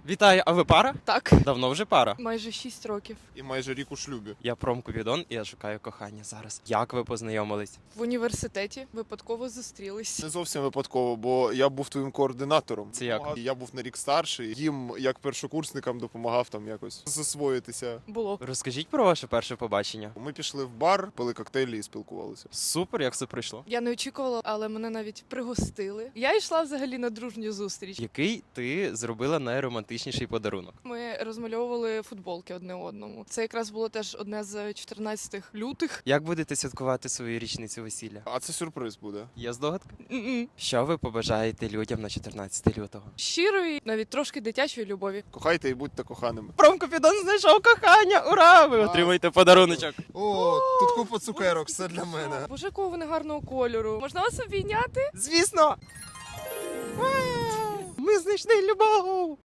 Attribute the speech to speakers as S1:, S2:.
S1: Вітаю, а ви пара?
S2: Так,
S1: Давно вже пара.
S2: майже 6 років.
S3: І майже рік у шлюбі.
S1: Я Промкупідон і я шукаю кохання зараз. Як ви познайомились?
S2: В університеті випадково зустрілись.
S3: Не зовсім випадково, бо я був твоїм координатором.
S1: Це як?
S3: Я був на рік старший, їм, як першокурсникам, допомагав там якось засвоїтися.
S2: Було.
S1: Розкажіть про ваше перше побачення.
S3: Ми пішли в бар, пили коктейлі і спілкувалися.
S1: Супер, як все пройшло.
S2: Я не очікувала, але мене навіть пригостили. Я йшла взагалі на дружню зустріч.
S1: Який ти зробила найромантичніший подарунок?
S2: Ми розмальовували футболки одне одному. Це якраз було теж одне з 14 лютих.
S1: Як будете святкувати свою річницю весілля?
S3: А це сюрприз буде.
S1: Є здогадка?
S2: М-м.
S1: Що ви побажаєте людям на 14 лютого?
S2: Щирої, навіть трошки дитячої любові.
S3: Кохайте і будьте коханими.
S1: Промкупідон знайшов кохання! Ура! Ви отримаєте подаруночок.
S3: О, тут купа цукерок, все для мене.
S2: Боже, якого вони гарного кольору. Можна вас обійняти?
S1: Звісно! Ми знайшли любов!